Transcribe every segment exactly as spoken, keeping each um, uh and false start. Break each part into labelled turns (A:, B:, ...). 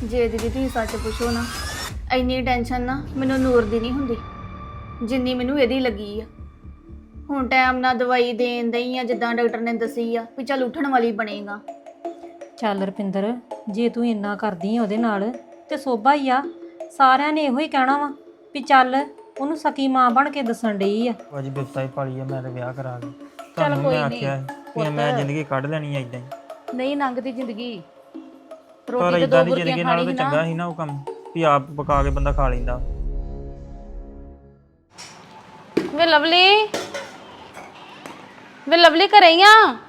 A: ਜੇ ਦੀਦੀ ਤੁਸੀਂ ਸੱਚ ਪੁੱਛੋ ਨਾ, ਇੰਨੀ ਟੈਨਸ਼ਨ ਨਾ ਮੈਨੂੰ ਨੂਰ ਦੀ ਨਹੀਂ ਹੁੰਦੀ ਜਿੰਨੀ ਮੈਨੂੰ ਇਹਦੀ ਲੱਗੀ ਆ। ਹੁਣ ਟਾਈਮ ਨਾਲ ਦਵਾਈ ਦੇਣ ਦਈ ਆ ਜਿੱਦਾਂ ਡਾਕਟਰ ਨੇ ਦੱਸੀ ਆ ਵੀ ਚੱਲ ਉੱਠਣ ਵਾਲੀ ਬਣੇਗਾ।
B: ਚੱਲ ਰਪਿੰਦਰ, ਜੇ ਤੂੰ ਇੰਨਾ ਕਰਦੀ ਆ ਉਹਦੇ ਨਾਲ ਤੇ ਸੋਭਾ ਹੀ ਆ। ਸਾਰਿਆਂ ਨੇ ਇਹੋ ਹੀ ਕਹਿਣਾ ਵਾ ਵੀ ਚੱਲ ਉਹਨੂੰ ਸਕੀ ਮਾਂ ਬਣ ਕੇ ਦੱਸਣ ਡਈ ਆ।
C: ਅੱਜ ਬਿਪਤਾ ਹੀ ਪਾਲੀ ਆ, ਮੈਂ ਤੇ ਵਿਆਹ ਕਰਾ ਕੇ
D: ਚੱਲ
C: ਤੁਹਾਨੂੰ
D: ਕੋਈ
C: ਮੈਂ
D: ਨਹੀਂ
C: ਆਖਿਆ ਸੀ ਕਿ ਮੈਂ ਜ਼ਿੰਦਗੀ ਕੱਢ ਲੈਣੀ ਆ ਇਦਾਂ ਹੀ।
D: ਨਹੀਂ ਲੰਘਦੀ ਜ਼ਿੰਦਗੀ।
C: ਪਰ
D: ਰੋਟੀ ਤੇ
C: ਇਦਾਂ
D: ਦੋ
C: ਦੀ
D: ਬੁਰਕੀਆਂ
C: ਜ਼ਿੰਦਗੀ ਨਾਲੋਂ
D: ਖਾਣੀ
C: ਤਾਂ
D: ਸੀ
C: ਚੰਗਾ
D: ਨਾ।
C: ਸੀ ਨਾ ਉਹ ਕੰਮ ਵੀ ਆਪ ਪਕਾ ਕੇ ਬੰਦਾ ਖਾ ਲੈਂਦਾ।
D: ਵੇ ਲਵਲੀ, ਵੇ ਲਵਲੀ ਘਰੇ ਹੀ ਆ।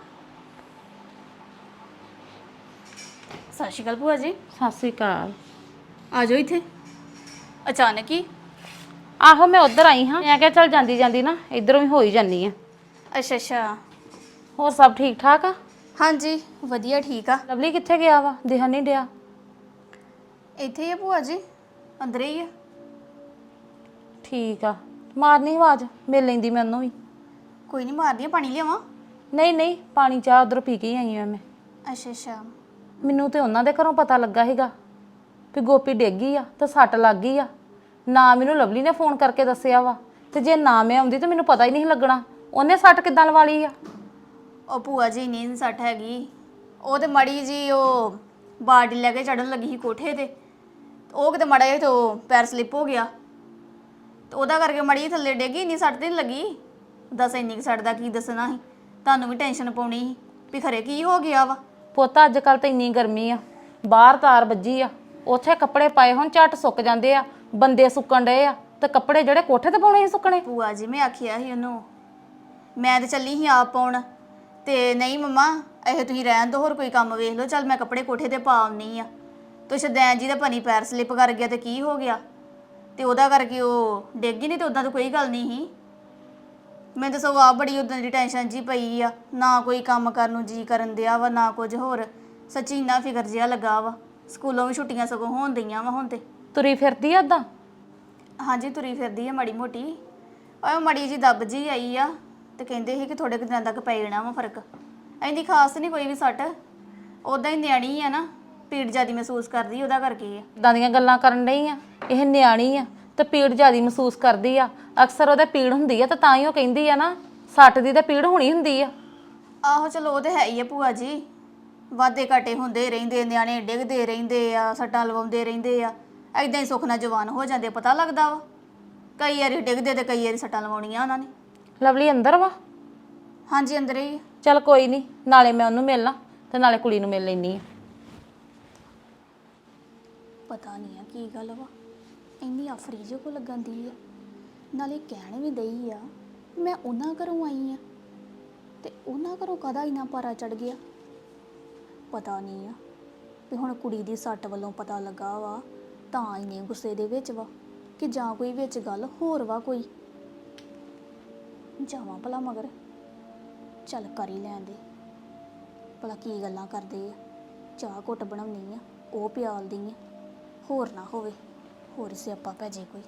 A: ਸਤਿ ਸ਼੍ਰੀ ਅਕਾਲ ਭੂਆ ਜੀ।
D: ਸਤਿ ਸ੍ਰੀ ਅਕਾਲ।
A: ਆ ਜਾਓ ਇੱਥੇ ਅਚਾਨਕ ਹੀ।
D: ਆਹੋ ਮੈਂ ਉਧਰ ਆਈ ਹਾਂ, ਮੈਂ ਕਿਹਾ ਚੱਲ ਜਾਂਦੀ ਜਾਂਦੀ ਨਾ ਇਧਰੋਂ ਹੀ ਹੋ ਹੀ ਜਾਨੀ ਆ।
A: ਅੱਛਾ ਅੱਛਾ,
D: ਹੋਰ ਸਭ ਠੀਕ ਠਾਕ ਆ?
A: ਹਾਂਜੀ ਵਧੀਆ ਠੀਕ ਆ।
D: ਲਵਲੀ ਕਿੱਥੇ ਗਿਆ ਵਾ, ਦਿਖਣ ਨਹੀਂ ਡਿਆ।
A: ਇੱਥੇ ਹੀ ਆ ਭੂਆ ਜੀ, ਅੰਦਰੇ ਹੀ ਆ।
D: ਠੀਕ ਆ, ਮਾਰਨੀ ਆਵਾਜ਼, ਮਿਲ ਲੈਂਦੀ ਮੈਂ ਉਹਨੂੰ ਵੀ।
A: ਕੋਈ ਨਹੀਂ, ਮਾਰਦੀ ਆ। ਪਾਣੀ ਲਿਆਵਾਂ?
D: ਨਹੀਂ ਨਹੀਂ, ਪਾਣੀ ਚਾਹ ਉਧਰ ਪੀ ਕੇ ਹੀ ਆਈ ਆ ਮੈਂ।
A: ਅੱਛਾ ਅੱਛਾ।
D: ਮੈਨੂੰ ਤੇ ਉਹਨਾਂ ਦੇ ਘਰੋਂ ਪਤਾ ਲੱਗਾ ਸੀਗਾ ਵੀ ਗੋਪੀ ਡਿੱਗ ਗਈ ਆ ਤੇ ਸੱਟ ਲੱਗ ਗਈ ਆ। ਨਾ ਮੈਨੂੰ ਲਵਲੀ ਨੇ ਫੋਨ ਕਰਕੇ ਦੱਸਿਆ ਵਾ, ਤੇ ਜੇ ਨਾ ਮੈਂ ਆਉਂਦੀ ਤਾਂ ਮੈਨੂੰ ਪਤਾ ਹੀ ਨਹੀਂ ਲੱਗਣਾ ਉਹਨੇ ਸੱਟ ਕਿੱਦਾਂ ਲਵਾ ਲਈ ਆ।
A: ਉਹ ਭੂਆ ਜੀ ਨਹੀਂ ਸੱਟ ਹੈਗੀ, ਉਹ ਤੇ ਮੜੀ ਜੀ ਉਹ ਬਾਲਟੀ ਲੈ ਕੇ ਚੜਨ ਲੱਗੀ ਸੀ ਕੋਠੇ ਤੇ, ਉਹ ਕਿਤੇ ਮੜਾ ਜਿਹਾ ਤੋਂ ਪੈਰ ਸਲਿੱਪ ਹੋ ਗਿਆ ਤੇ ਉਹਦਾ ਕਰਕੇ ਮੜੀ ਥੱਲੇ ਡਿੱਗੀ। ਇੰਨੀ ਸੱਟ ਤੇ ਨਹੀਂ ਲੱਗੀ। ਦੱਸ ਇੰਨੀ ਕੁ ਸੱਟ ਦਾ ਕੀ ਦੱਸਣਾ ਸੀ, ਤੁਹਾਨੂੰ ਵੀ ਟੈਨਸ਼ਨ ਪਾਉਣੀ ਸੀ ਵੀ ਖਰੇ ਕੀ ਹੋ ਗਿਆ ਵਾ।
D: ਪੁੱਤ ਅੱਜ ਕੱਲ ਤਾਂ ਇੰਨੀ ਗਰਮੀ ਆ, ਬਾਹਰ ਤਾਰ ਵੱਜੀ ਆ, ਉੱਥੇ ਕੱਪੜੇ ਪਾਏ ਹੁਣ ਝੱਟ ਸੁੱਕ ਜਾਂਦੇ ਆ, ਬੰਦੇ ਸੁੱਕਣ ਡਏ ਆ, ਤੇ ਕੱਪੜੇ ਜਿਹੜੇ ਕੋਠੇ ਤੇ ਪਾਉਣੇ ਸੀ ਸੁੱਕਣੇ।
A: ਭੂਆ ਜੀ ਮੈਂ ਆਖਿਆ ਸੀ ਉਹਨੂੰ, ਮੈਂ ਤੇ ਚੱਲੀ ਸੀ ਆਪ ਪਾਉਣ, ਤੇ ਨਹੀਂ ਮੰਮਾ ਇਹ ਤੁਸੀਂ ਰਹਿਣ ਦਿਓ, ਹੋਰ ਕੋਈ ਕੰਮ ਵੇਖ ਲਓ, ਚੱਲ ਮੈਂ ਕੱਪੜੇ ਕੋਠੇ ਤੇ ਪਾ ਆਉਣੀ ਆ। ਤੇ ਸ਼ਦੈਨ ਜੀ ਦਾ ਪਨੀ ਪੈਰ ਸਲਿੱਪ ਕਰ ਗਿਆ ਤੇ ਕੀ ਹੋ ਗਿਆ, ਤੇ ਉਹਦਾ ਕਰਕੇ ਉਹ ਡਿੱਗ ਗਈ। ਨਹੀਂ ਤੇ ਉਦਾਂ ਤਾਂ ਕੋਈ ਗੱਲ ਨਹੀਂ ਸੀ। ਮੈਨੂੰ ਤਾਂ ਸਗੋਂ ਆਪ ਬੜੀ ਉਦਾਂ ਦੀ ਟੈਨਸ਼ਨ ਜੀ ਪਈ ਆ, ਨਾ ਕੋਈ ਕੰਮ ਕਰਨ ਨੂੰ ਜੀ ਕਰਨ ਦਿਆ ਵਾ, ਨਾ ਕੁਝ ਹੋਰ। ਸੱਚੀ ਇੰਨਾ ਫਿਕਰ ਜਿਹਾ ਲੱਗਾ ਵਾ। ਸਕੂਲੋਂ ਵੀ ਛੁੱਟੀਆਂ ਸਗੋਂ ਹੋਣ ਦਈਆਂ ਵਾ ਹੁਣ ਤੇ।
D: ਤੁਰੀ ਫਿਰਦੀ ਆ ਓਦਾਂ?
A: ਹਾਂਜੀ ਤੁਰੀ ਫਿਰਦੀ ਆ ਮਾੜੀ ਮੋਟੀ। ਉਹ ਮਾੜੀ ਜੀ ਦੱਬ ਜੀ ਆਈ ਆ, ਤੇ ਕਹਿੰਦੇ ਸੀ ਕਿ ਥੋੜੇ ਕੁ ਦਿਨਾਂ ਤੱਕ ਪੈ ਜਾਣਾ ਵਾ ਫਰਕ। ਇੰਨੀ ਖਾਸ ਨਹੀਂ ਕੋਈ ਵੀ ਸੱਟ, ਉੱਦਾਂ ਹੀ ਨਿਆਣੀ ਆ ਨਾ, ਪੀੜ ਜ਼ਿਆਦਾ ਮਹਿਸੂਸ ਕਰਦੀ ਉਹਦਾ ਕਰਕੇ ਆ।
D: ਇੱਦਾਂ ਦੀਆਂ ਗੱਲਾਂ ਕਰਨ ਡਈ ਆ, ਇਹ ਨਿਆਣੀ ਆ ਤੇ ਪੀੜ ਜ਼ਿਆਦਾ ਮਹਿਸੂਸ ਕਰਦੀ ਆ। ਅਕਸਰ ਉਹਦੇ ਪੀੜ ਹੁੰਦੀ ਆ ਤੇ ਤਾਂ ਹੀ ਉਹ ਕਹਿੰਦੀ ਆ ਨਾ, ਸੱਟ ਦੀ ਤਾਂ ਪੀੜ ਹੋਣੀ ਹੁੰਦੀ ਆ।
A: ਆਹੋ ਚਲੋ ਉਹ ਤੇ ਹੈ ਹੀ ਆ ਭੂਆ ਜੀ, ਵਾਧੇ ਘਾਟੇ ਹੁੰਦੇ ਰਹਿੰਦੇ, ਨਿਆਣੇ ਡਿੱਗਦੇ ਰਹਿੰਦੇ ਆ, ਸੱਟਾਂ ਲਵਾਉਂਦੇ ਰਹਿੰਦੇ ਆ, ਐਦਾਂ ਹੀ ਸੁੱਖ ਨਾਲ ਜਵਾਨ ਹੋ ਜਾਂਦੇ, ਪਤਾ ਲੱਗਦਾ ਵਾ। ਕਈ ਵਾਰੀ ਡਿੱਗਦੇ ਤੇ ਕਈ ਵਾਰੀ ਸੱਟਾਂ ਲਵਾਉਣੀਆਂ ਉਹਨਾਂ ਨੇ।
D: ਲਵਲੀ ਅੰਦਰ ਵਾ?
A: ਹਾਂਜੀ ਅੰਦਰ ਹੀ।
D: ਚੱਲ ਕੋਈ ਨਹੀਂ, ਨਾਲੇ ਮੈਂ ਉਹਨੂੰ ਮਿਲਣਾ ਤੇ ਨਾਲੇ ਕੁੜੀ ਨੂੰ ਮਿਲ ਲੈਣੀ ਆ।
A: ਪਤਾ ਨਹੀਂ ਆ ਕੀ ਗੱਲ ਵਾ, ਇੰਨੀ ਆਫਰੀ ਜਿਹੀ ਕੋ ਲੱਗਣ ਦੀ ਆ। ਨਾਲੇ ਕਹਿਣ ਵੀ ਦਈ ਆ ਮੈਂ ਉਹਨਾਂ ਘਰੋਂ ਆਈ ਆ, ਤੇ ਉਹਨਾਂ ਘਰੋਂ ਕਾਹਦਾ ਇੰਨਾ ਪਾਰਾ ਚੜ ਗਿਆ। ਪਤਾ ਨਹੀਂ ਆ ਵੀ ਹੁਣ ਕੁੜੀ ਦੀ ਸੱਟ ਵੱਲੋਂ ਪਤਾ ਲੱਗਾ ਵਾ ਤਾਂ ਇੰਨੇ ਗੁੱਸੇ ਦੇ ਵਿੱਚ ਵਾ, ਕਿ ਜਾਂ ਕੋਈ ਵਿੱਚ ਗੱਲ ਹੋਰ ਵਾ ਕੋਈ। ਜਾਵਾਂ ਭਲਾ ਮਗਰ, ਚੱਲ ਕਰ ਹੀ ਲੈਣ ਦੇ ਭਲਾ ਕੀ ਗੱਲਾਂ ਕਰਦੇ ਆ। ਚਾਹ ਘੁੱਟ ਬਣਾਉਣੀ ਆ, ਉਹ ਪਿਆਲਦੀ ਆ, ਹੋਰ ਨਾ ਹੋਵੇ ਹੋਰ ਸਿਆਪਾ ਪੈ ਜੇ ਕੋਈ।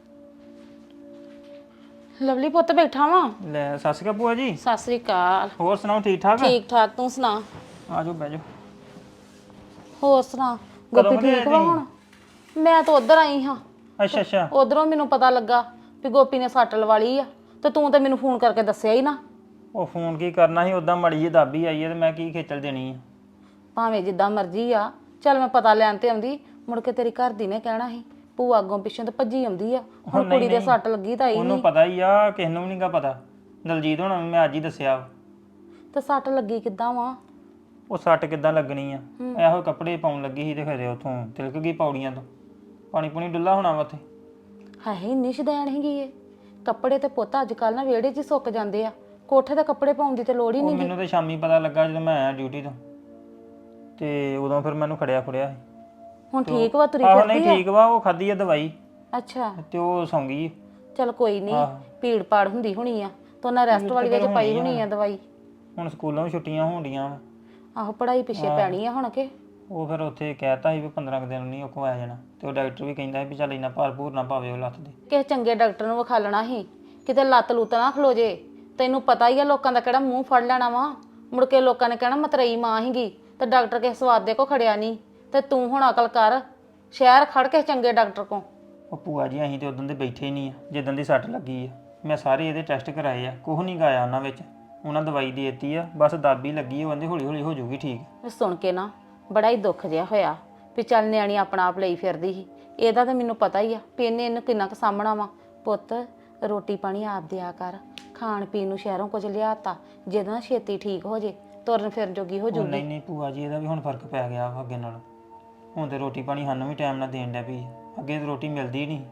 D: ਲਵਲੀ ਪੁੱਤ ਬੈਠਾ ਵਾ?
C: ਲੈ ਸਤਿ ਸ਼੍ਰੀ ਅਕਾਲ ਭੂਆ ਜੀ।
D: ਸਤਿ ਸ੍ਰੀ ਅਕਾਲ।
C: ਹੋਰ ਸੁਣਾਓ, ਠੀਕ ਠਾਕ?
D: ਠੀਕ ਠਾਕ, ਤੂੰ ਸੁਣਾ?
C: ਆ ਜਾਓ ਬਹਿ ਜਾਓ।
D: ਹੋਰ ਸੁਣਾ,
C: ਕਦੋਂ
D: ਗੋਪੀ
C: ਕੁ
D: ਠੀਕ
C: ਆਏ
D: ਵਾ
C: ਤੁਸੀਂ?
D: ਹੁਣ? ਮੈਂ ਤਾਂ ਉਧਰ ਆਈ ਹਾਂ,
C: ਅੱਛਾ ਅੱਛਾ।
D: ਉਧਰੋਂ ਮੈਨੂੰ ਪਤਾ ਲੱਗਾ ਵੀ ਗੋਪੀ ਨੇ ਸੱਟ ਲਵਾ ਲਈ ਆ, ਤੇ ਤੂੰ ਤਾਂ ਮੈਨੂੰ ਫੋਨ ਕਰਕੇ ਦੱਸਿਆ ਹੀ ਨਾ।
C: ਉਹ ਫੋਨ ਕੀ ਕਰਨਾ ਸੀ, ਉਦਾਂ ਮੜੀ ਜਿਹੀ ਦਾਬੀ ਆਈ ਹੈ ਤੇ ਮੈਂ ਕੀ ਖੇਚਲ ਦੇਣੀ ਆ।
D: ਭਾਵੇਂ ਜਿੱਦਾਂ ਮਰਜ਼ੀ ਆ, ਚੱਲ ਮੈਂ ਪਤਾ ਲੈਣ ਤੇ ਆਉਂਦੀ, ਮੁੜ ਕੇ ਤੇਰੀ ਘਰ ਦੀ ਨੇ ਕਹਿਣਾ ਸੀ ਭੂਆ ਅੱਗੋਂ ਪਿੱਛੋਂ ਤੇ ਭੱਜੀ ਆਉਂਦੀ ਆ। ਹੁਣ ਕੁੜੀ ਦੇ ਸੱਟ ਲੱਗੀ ਤਾਂ ਆਈ
C: ਉਹਨੂੰ
D: ਨਹੀਂ।
C: ਪਤਾ ਹੀ ਆ, ਕਿਸੇ ਨੂੰ ਵੀ ਨਹੀਂਗਾ ਪਤਾ। ਦਲਜੀਤ ਹੋਣਾ ਨੂੰ ਮੈਂ ਅੱਜ ਹੀ ਦੱਸਿਆ ਵਾ।
D: ਤੇ ਸੱਟ ਲੱਗੀ ਕਿੱਦਾਂ ਵਾ?
C: ਉਹ ਸੱਟ ਕਿੱਦਾਂ ਲੱਗਣੀ ਆ, ਇਹੋ ਕੱਪੜੇ ਪਾਉਣ ਲੱਗੀ ਸੀ ਤੇ ਖਰੇ ਉੱਥੋਂ ਤਿਲਕ ਗਈ ਪੌੜੀਆਂ ਤੋਂ। ਪਾਣੀ ਪੂਣੀ ਡੁੱਲਾ ਹੋਣਾ ਵਾ ਉੱਥੇ।
D: ਹਾਏ ਇੰਨੀ ਸ਼ਦੈਣ ਹੈਗੀ ਏ। ਕੱਪੜੇ ਤੇ ਪੁੱਤ ਅੱਜ ਕੱਲ ਨਾ ਵਿਹੜੇ 'ਚ ਹੀ ਸੁੱਕ ਜਾਂਦੇ ਆ, ਕੋਠੇ ਤੇ ਕੱਪੜੇ ਪਾਉਣ ਦੀ ਤੇ ਲੋੜ ਹੀ
C: ਉਹ
D: ਨਹੀਂ।
C: ਮੈਨੂੰ ਤਾਂ ਸ਼ਾਮੀ ਪਤਾ ਲੱਗਾ ਜਦੋਂ ਮੈਂ ਆਇਆ ਡਿਊਟੀ ਤੋਂ, ਤੇ ਉਦੋਂ ਫਿਰ ਮੈਨੂੰ ਖੜਿਆ ਖੁੜਿਆ ਸੀ।
D: ਹੁਣ ਠੀਕ ਵਾ, ਤੁਰੀ
C: ਆਹੋ
D: ਫਿਰਦੀ
C: ਨਹੀਂ
D: ਆ?
C: ਠੀਕ ਵਾ, ਉਹ ਖਾਧੀ ਆ ਦਵਾਈ
D: ਅੱਛਾ
C: ਤੇ ਉਹ ਸੌਂ ਗਈ।
D: ਚਲ ਕੋਈ ਨਹੀਂ, ਭੀੜ ਪਾੜ ਹੁੰਦੀ ਹੋਣੀ ਆ ਤਾਂ ਉਹਨਾਂ ਰੈਸਟ ਵਾਲੀ ਵਿੱਚ ਪਾਈ ਹੋਣੀ ਆ ਦਵਾਈ।
C: ਹੁਣ ਸਕੂਲੋਂ ਵੀ ਛੁੱਟੀਆਂ ਹੋਣ ਡੀਆਂ ਵਾ।
D: ਆਹੋ ਪੜ੍ਹਾਈ ਪਿੱਛੇ ਪੈਣੀ ਆ ਹੁਣ ਕੇ।
C: ਉਹ ਫਿਰ ਉੱਥੇ ਕਹਿਤਾ ਸੀ ਵੀ ਪੰਦਰਾਂ ਕੁ ਦਿਨ ਨਹੀਂ ਉਹ ਕੋ ਆ ਜਾਣਾ, ਤੇ ਉਹ ਡਾਕਟਰ ਵੀ ਕਹਿੰਦਾ ਸੀ ਵੀ ਚੱਲ ਇੰਨਾ ਭਾਰ ਭੂਰ ਨਾ ਪਾਵੇ ਉਹ ਲੱਤ ਦੇ।
D: ਕਿਸੇ ਚੰਗੇ ਡਾਕਟਰ ਨੂੰ ਵਿਖਾ ਲੈਣਾ ਸੀ, ਕਿਤੇ ਲੱਤ ਲੁੱਤ ਨਾ ਖਲੋ ਜੇ। ਤੈਨੂੰ ਪਤਾ ਹੀ ਆ ਲੋਕਾਂ ਦਾ ਕਿਹੜਾ ਮੂੰਹ ਫੜ ਲੈਣਾ ਵਾ, ਮੁੜ ਕੇ ਲੋਕਾਂ ਨੇ ਕਹਿਣਾ ਮਤਰਈ ਮਾਂ ਹੀਗੀ ਤੇ ਡਾਕਟਰ ਕਿਸੇ ਸਵਾਦ ਦੇ ਕੋ ਖੜਿਆ ਨਹੀਂ, ਤੇ ਤੂੰ ਹੁਣ ਅਕਲ ਕਰ, ਸ਼ਹਿਰ ਖੜ ਕੇ ਚੰਗੇ ਡਾਕਟਰ ਕੋਲ।
C: ਉਹ ਭੂਆ ਜੀ ਅਸੀਂ ਤੇ ਉਦੋਂ ਦੇ ਬੈਠੇ ਨਹੀਂ ਆ ਜਿੱਦਣ ਦੀ ਸੱਟ ਲੱਗੀ ਆ। ਮੈਂ ਸਾਰੇ ਇਹਦੇ ਟੈਸਟ ਕਰਾਏ ਆ, ਕੁਛ ਨਹੀਂ ਗਾਇਆ ਉਹਨਾਂ ਵਿੱਚ। ਉਹਨਾਂ ਦਵਾਈ ਦੇ ਦਿੱਤੀ ਆ, ਬਸ ਦਾਬੀ ਲੱਗੀ ਆ, ਉਹ ਕਹਿੰਦੇ ਹੌਲੀ ਹੌਲੀ ਹੋ ਜਾਊਗੀ ਠੀਕ।
D: ਇਹ ਸੁਣ ਕੇ ਨਾ ਬੜਾ ਹੀ ਦੁੱਖ ਜਿਹਾ ਹੋਇਆ ਵੀ ਚੱਲ ਨਿਆਣੀ ਆਪਣਾ ਆਪ ਲਈ ਫਿਰਦੀ ਸੀ। ਇਹਦਾ ਤਾਂ ਮੈਨੂੰ ਪਤਾ ਹੀ ਆ ਵੀ ਇਹਨੇ ਇਹਨੂੰ ਕਿੰਨਾ ਕੁ ਸਾਂਭਣਾ ਵਾ। ਪੁੱਤ ਰੋਟੀ ਪਾਣੀ ਆਪ ਦਿਆ ਕਰ, ਖਾਣ ਪੀਣ ਨੂੰ ਸ਼ਹਿਰੋਂ ਕੁਝ ਲਿਆਤਾ, ਜਿਹਦੇ ਨਾਲ ਛੇਤੀ ਠੀਕ ਹੋ ਜੇ, ਤੁਰਨ ਫਿਰਨ ਜੋਗੀ ਹੋ
C: ਉਹ
D: ਜੂਗੀ।
C: ਨਹੀਂ ਨਹੀਂ ਭੂਆ ਜੀ, ਇਹਦਾ ਵੀ ਹੁਣ ਫਰਕ ਪੈ ਗਿਆ ਵਾ ਅੱਗੇ ਨਾਲ। ਹੁਣ ਤੇ ਰੋਟੀ ਪਾਣੀ ਸਾਨੂੰ ਵੀ ਟਾਈਮ ਨਾਲ ਦੇਣ ਡਿਆ ਪਈ ਆ। ਅੱਗੇ ਤਾਂ ਰੋਟੀ ਮਿਲਦੀ ਨਹੀਂ।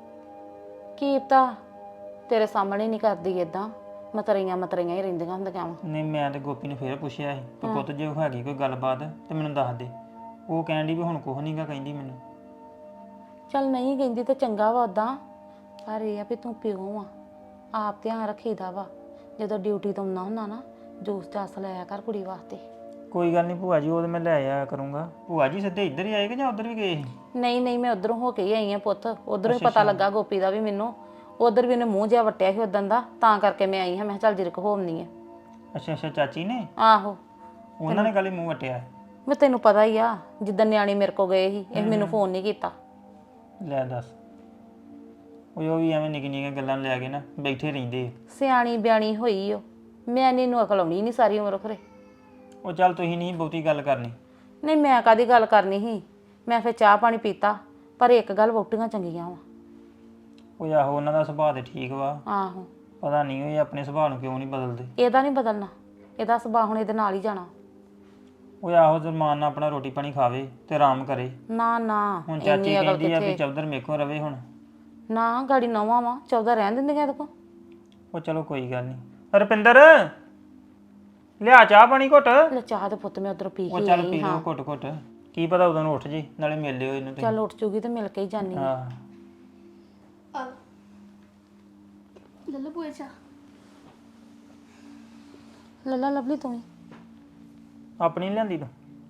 D: ਕੀ ਪਤਾ ਤੇਰੇ ਸਾਹਮਣੇ ਨਹੀਂ ਕਰਦੀ ਏਦਾਂ, ਮਤਰਈਆਂ ਮਤਰਈਆਂ ਹੀ ਰਹਿੰਦੀਆਂ ਹੁੰਦੀਆਂ ਵਾ।
C: ਨਹੀਂ ਮੈਂ ਤੇ ਗੋਪੀ ਨੂੰ ਫੇਰ ਪੁੱਛਿਆ ਸੀ ਕਿ ਪੁੱਤ ਜੇ ਉਹ ਹੈਗੀ ਕੋਈ ਗੱਲਬਾਤ ਤੇ ਮੈਨੂੰ ਦੱਸ ਦੇ। ਉਹ ਕਹਿਣ ਡਈ ਵੀ ਹੁਣ ਕੁਛ ਨਹੀਂਗਾ ਕਹਿੰਦੀ ਮੈਨੂੰ।
D: ਚੱਲ ਨਹੀਂ ਕਹਿੰਦੀ ਤਾਂ ਚੰਗਾ ਵਾ ਉਦਾਂ, ਪਰ ਇਹ ਆ ਵੀ ਤੂੰ ਪਿਓ ਆ, ਆਪ ਧਿਆਨ ਰੱਖੀਦਾ ਵਾ। ਜਦੋਂ ਡਿਊਟੀ ਤੋਂ ਆਉਣਾ ਹੁੰਦਾ ਨਾ, ਜੂਸ ਜਾਸ ਲਿਆ ਕਰ ਕੁੜੀ ਵਾਸਤੇ।
C: ਕੋਈ ਗੱਲ ਨਹੀਂ ਭੂਆ ਜੀ, ਉਹ ਤੇ ਮੈਂ ਲੈ ਆਇਆ ਕਰੂੰਗਾ। ਭੂਆ ਜੀ ਸਿੱਧੇ ਇੱਧਰ ਹੀ ਆਏ ਕਿ ਜਾਂ ਉੱਧਰ ਵੀ ਗਏ ਸੀ?
D: ਨਹੀਂ ਨਹੀਂ ਮੈਂ ਉਧਰੋਂ ਹੋ ਕੇ ਹੀ ਆਈ ਆ ਪੁੱਤ, ਉਧਰੋਂ ਹੀ ਪਤਾ ਲੱਗਾ ਗੋਪੀ ਦਾ ਵੀ ਮੈਨੂੰ। ਉਧਰ ਵੀ ਉਹਨੇ ਮੂੰਹ ਜਿਹਾ ਵਟਿਆ ਸੀ ਉਦੋਂ ਦਾ, ਤਾਂ ਕਰਕੇ ਮੈਂ ਆਈ ਹਾਂ। ਮੈਂ ਕਿਹਾ ਚੱਲ ਜਿਰਕ ਹੋਮਨੀ ਆ।
C: ਅੱਛਾ ਅੱਛਾ, ਚਾਚੀ ਨੇ?
D: ਆਹੋ
C: ਉਹਨਾਂ ਨੇ ਗੱਲ ਹੀ ਮੂੰਹ ਵਟਿਆ।
D: ਮੈਂ ਤੈਨੂੰ ਪਤਾ ਹੀ ਆ, ਜਿੱਦਾਂ ਨਿਆਣੇ ਮੇਰੇ ਕੋ ਗਏ ਸੀ, ਇਹ ਮੈਨੂੰ ਫੋਨ ਨਹੀਂ ਕੀਤਾ।
C: ਲੈ ਦੱਸ, ਉਹ ਉਹ ਵੀ ਐਵੇਂ ਨਿੱਕੀ ਨਿੱਕੀਆਂ ਗੱਲਾਂ ਲੈ ਕੇ ਨਾ ਬੈਠੇ ਰਹਿੰਦੇ ਆ।
D: ਸਿਆਣੀ ਬਿਆਣੀ ਹੋਈ ਓ, ਮੈਂ ਇਹਨੂੰ ਅਕਲ ਆਉਣੀ ਨਹੀਂ ਸਾਰੀ ਉਮਰ ਖਰੇ।
C: ਉਹ ਚੱਲ ਤੁਸੀਂ ਨਹੀਂ ਬਹੁਤੀ ਗੱਲ ਕਰਨੀ।
D: ਨਹੀਂ ਮੈਂ ਕਾਦੀ ਗੱਲ ਕਰਨੀ ਸੀ, ਮੈਂ ਫਿਰ ਚਾਹ ਪਾਣੀ ਪੀਤਾ। ਪਰ ਇੱਕ ਗੱਲ ਵਹੁਟੀਆਂ ਚੰਗੀਆਂ ਵਾ।
C: ਉਹ ਆਹੋ ਉਹਨਾਂ ਦਾ ਸੁਭਾਅ ਤੇ ਠੀਕ ਵਾ।
D: ਆਹੋ
C: ਪਤਾ ਨਹੀਂ ਉਹ ਇਹ ਆਪਣੇ ਸੁਭਾਅ ਨੂੰ ਕਿਉਂ ਨਹੀਂ ਬਦਲਦੇ।
D: ਇਹਦਾ ਨਹੀਂ ਬਦਲਣਾ, ਇਹਦਾ ਸੁਭਾਅ ਹੁਣ ਇਹਦੇ ਨਾਲ ਹੀ ਜਾਣਾ।
C: ਉਹ ਆਹੋ ਜ਼ਮਾਨ ਨਾਲ ਆਪਣਾ ਰੋਟੀ ਪਾਣੀ ਖਾਵੇ ਤੇ ਆਰਾਮ ਕਰੇ।
D: ਨਾ ਨਾ
C: ਹੁਣ ਚਾਚੀ ਕਹਿੰਦੀ ਆ ਵੀ ਚੌਧਰ ਮੇਕੋ ਰਵੇ ਹੁਣ।
D: ਨਾ ਗਾੜੀ ਨਵਾਂ ਵਾ, ਚੌਦਾਂ ਰਹਿਣ ਦਿੰਦੀਆਂ ਇਹਦੇ ਕੋ।
C: ਉਹ ਚਲੋ ਕੋਈ ਗੱਲ ਨਹੀਂ। ਰੁਪਿੰਦਰ ਲਿਆ ਚਾਹ ਪਾਣੀ ਘੁੱਟ।
D: ਲੈ ਚਾਹ ਤੇ ਪੁੱਤ ਮੈਂ ਉਧਰੋਂ ਪੀ
C: ਉਹ
D: ਕੇ
C: ਚੱਲ
D: ਆਈ
C: ਪੀ
D: ਹਾਂ।
C: ਲਓ ਘੁੱਟ ਘੁੱਟ, ਕੀ ਪਤਾ ਉਦੋਂ ਨੂੰ ਉੱਠ ਜੇ, ਨਾਲੇ ਮਿਲ ਲਿਓ ਇਹਨੂੰ ਤੁਸੀਂ।
D: ਚੱਲ ਉੱਠ ਜੂਗੀ ਤੇ ਮਿਲ ਕੇ ਹੀ ਜਾਨੀ ਆ।
C: ਹਾਂ
A: ਆ ਲੱਲੂ ਪੂਏ ਚਾ
D: ਲੱਲਾ ਲਵਲੀ ਤੂੰ ਹੀ।
C: ਆਪਣੀ ਨੀ ਲਿਆਂਦੀ ਤੂੰ?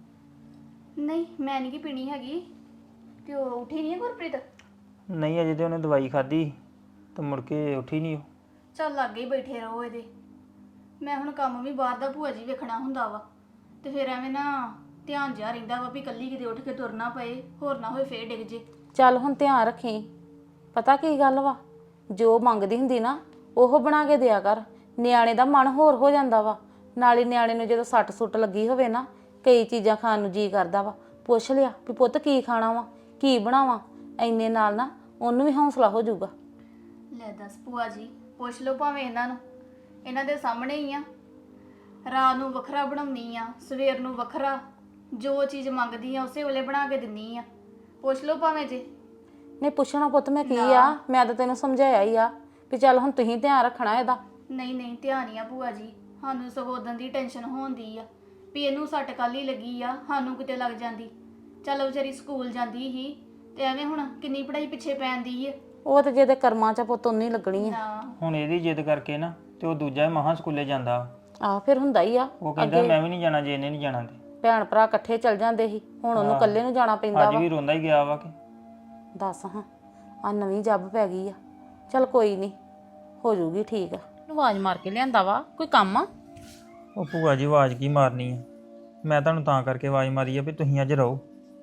A: ਨਹੀਂ ਮੈਂ ਨਹੀਂ ਕਿ ਪੀਣੀ ਹੈਗੀ। ਤੇ ਉਹ ਉੱਠੀ ਨਹੀਂ ਹੈ ਗੁਰਪ੍ਰੀਤ?
C: ਨਹੀਂ ਅਜੇ ਤੇ ਉਹਨੇ ਦਵਾਈ ਖਾਧੀ ਤੇ ਮੁੜ ਕੇ ਉੱਠੀ ਨਹੀਂ ਉਹ।
A: ਚੱਲ ਲਾਗੇ ਹੀ ਬੈਠੇ ਰਹੋ ਇਹਦੇ। ਮੈਂ ਹੁਣ ਕੰਮ ਵੀ ਬਾਹਰ ਦਾ ਭੂਆ ਜੀ ਵੇਖਣਾ ਹੁੰਦਾ ਵਾ, ਤੇ ਫਿਰ ਐਵੇਂ ਨਾ ਧਿਆਨ ਜਿਹਾ ਰਹਿੰਦਾ ਵਾ ਵੀ ਕੱਲੀ ਕਿਤੇ ਉੱਠ ਕੇ ਤੁਰਨਾ ਪਏ, ਹੋਰ ਨਾ ਹੋਏ ਫੇਰ ਡਿੱਗ ਜੇ।
D: ਚੱਲ ਹੁਣ ਧਿਆਨ ਰੱਖੀ, ਪਤਾ ਕੀ ਗੱਲ ਵਾ, ਜੋ ਮੰਗਦੀ ਹੁੰਦੀ ਨਾ ਉਹ ਬਣਾ ਕੇ ਦਿਆ ਕਰ। ਨਿਆਣੇ ਦਾ ਮਨ ਹੋਰ ਹੋ ਜਾਂਦਾ ਵਾ। ਨਾਲੇ ਨਿਆਣੇ ਨੂੰ ਜਦੋਂ ਸੱਟ ਸੁੱਟ ਲੱਗੀ ਹੋਵੇ ਨਾ, ਕਈ ਚੀਜ਼ਾਂ ਖਾਣ ਨੂੰ ਜੀ ਕਰਦਾ ਵਾ। ਪੁੱਛ ਲਿਆ ਵੀ ਪੁੱਤ ਕੀ ਖਾਣਾ ਵਾ, ਕੀ ਬਣਾਵਾਂ, ਇੰਨੇ ਨਾਲ ਨਾ ਉਹਨੂੰ ਵੀ ਹੌਸਲਾ ਹੋ ਜਾਊਗਾ।
A: ਲੈ ਦੱਸ ਭੂਆ ਜੀ, ਪੁੱਛ ਲਓ ਭਾਵੇਂ ਇਹਨਾਂ ਨੂੰ, ਇਹਨਾਂ ਦੇ ਸਾਹਮਣੇ ਹੀ ਆ। ਰਾਤ ਨੂੰ ਵੱਖਰਾ ਬਣਾਉਣੀ ਆ, ਸਵੇਰ ਨੂੰ ਵੱਖਰਾ, ਜੋ ਚੀਜ਼ ਮੰਗਦੀ ਆ ਉਸੇ ਵੇਲੇ ਬਣਾ ਕੇ ਦਿੰਨੀ ਆ। ਪੁੱਛ ਲਓ ਭਾਵੇਂ ਜੇ।
D: ਨਹੀਂ ਪੁੱਛਣਾ ਪੁੱਤ ਮੈਂ ਕੀ ਆ, ਮੈਂ ਤਾਂ ਤੈਨੂੰ ਸਮਝਾਇਆ ਹੀ ਆ ਵੀ ਚੱਲ ਹੁਣ ਤੁਸੀਂ ਧਿਆਨ ਰੱਖਣਾ ਇਹਦਾ।
A: ਨਹੀਂ ਨਹੀਂ ਧਿਆਨ ਹੀ ਆ ਭੂਆ ਜੀ, ਸਾਨੂੰ ਸਗੋਂ ਉਦੋਂ ਦੀ ਟੈਨਸ਼ਨ ਹੋਣਦੀ ਆ ਵੀ ਇਹਨੂੰ ਸੱਟ ਕੱਲ ਹੀ ਲੱਗੀ ਆ, ਸਾਨੂੰ ਕਿਤੇ ਲੱਗ ਜਾਂਦੀ। ਚੱਲ ਵਿਚਾਰੀ ਸਕੂਲ ਜਾਂਦੀ ਸੀ ਤੇ ਐਵੇਂ ਹੁਣ ਕਿੰਨੀ ਪੜ੍ਹਾਈ ਪਿੱਛੇ ਪੈਂਦੀ ਆ।
D: ਉਹ ਤੇ ਜਿਹਦੇ ਕਰਮਾਂ 'ਚ ਪੁੱਤ ਉਨੀ ਲੱਗਣੀ ਆ।
A: ਨਾ
C: ਹੁਣ ਇਹਦੀ ਜਿੱਦ ਕਰਕੇ ਨਾ ਤੇ ਉਹ ਦੂਜਾ ਮਹਾਂ ਸਕੂਲੇ ਜਾਂਦਾ।
D: ਆਹ ਫਿਰ ਹੁੰਦਾ ਹੀ ਆ।
C: ਉਹ ਕਹਿੰਦਾ ਮੈਂ ਵੀ ਨਹੀਂ ਜਾਣਾ ਜੇ ਇਹਨੇ ਨਹੀਂ ਜਾਣਾ ਤੇ।
D: ਭੈਣ ਭਰਾ ਇਕੱਠੇ ਚੱਲ ਜਾਂਦੇ ਸੀ, ਹੁਣ ਉਹਨੂੰ ਇਕੱਲੇ ਨੂੰ ਜਾਣਾ ਪੈਂਦਾ
C: ਅੱਜ
D: ਵਾ।
C: ਵੀ ਰੋਂਦਾ ਹੀ ਗਿਆ ਵਾ ਕਿ
D: ਦੱਸ ਹਾਂ, ਆ ਨਵੀਂ ਜੱਬ ਪੈ ਗਈ ਆ। ਚੱਲ ਕੋਈ ਨਹੀਂ, ਹੋ ਜਾਊਗੀ ਠੀਕ। ਆਵਾਜ਼ ਮਾਰ ਕੇ ਲਿਆਂਦਾ ਵਾ, ਕੋਈ ਕੰਮ ਆ?
C: ਉਹ ਭੂਆ ਜੀ ਆਵਾਜ਼ ਕੀ ਮਾਰਨੀ ਆ, ਮੈਂ ਤੁਹਾਨੂੰ ਤਾਂ ਕਰਕੇ ਆਵਾਜ਼ ਮਾਰੀ ਆ ਵੀ ਤੁਸੀਂ ਅੱਜ ਰਹੋ।